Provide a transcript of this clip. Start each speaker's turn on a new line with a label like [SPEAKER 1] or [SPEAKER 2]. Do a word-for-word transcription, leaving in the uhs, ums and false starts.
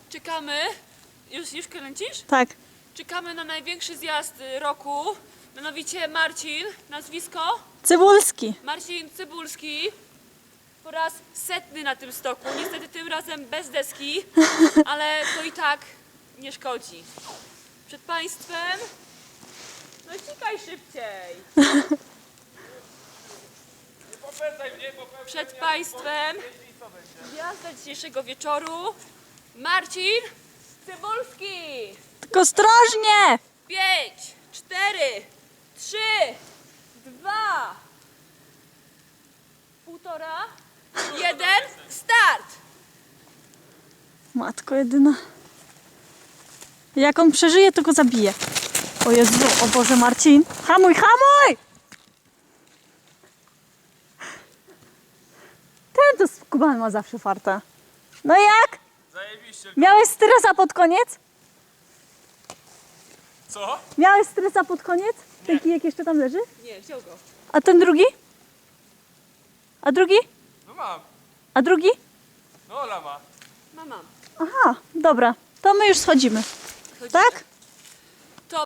[SPEAKER 1] Czekamy. Już, już kręcisz?
[SPEAKER 2] Tak.
[SPEAKER 1] Czekamy na największy zjazd roku. Mianowicie Marcin, nazwisko?
[SPEAKER 2] Cybulski.
[SPEAKER 1] Marcin Cybulski. Po raz setny na tym stoku. Niestety tym razem bez deski, ale to i tak nie szkodzi. Przed Państwem... No ścikaj szybciej. Przed Państwem gwiazda dzisiejszego wieczoru Marcin Cybulski.
[SPEAKER 2] Tylko ostrożnie!
[SPEAKER 1] Pięć, cztery, trzy, dwa, półtora, jeden, start!
[SPEAKER 2] Matko jedyna. Jak on przeżyje, to go zabije. O Jezu, o Boże, Marcin. Hamuj, hamuj! Ten to z Kuban ma zawsze farta. No i jak?
[SPEAKER 3] Zajebiście.
[SPEAKER 2] Miałeś stresa pod koniec?
[SPEAKER 3] Co?
[SPEAKER 2] Miałeś stresa pod koniec? Ten kijek jeszcze tam leży?
[SPEAKER 1] Nie, wziął go.
[SPEAKER 2] A ten drugi? A drugi?
[SPEAKER 3] No mam.
[SPEAKER 2] A drugi?
[SPEAKER 3] No Ola ma.
[SPEAKER 1] Mam, mam.
[SPEAKER 2] Aha, dobra. To my już schodzimy.
[SPEAKER 1] Chodzimy.
[SPEAKER 2] Tak?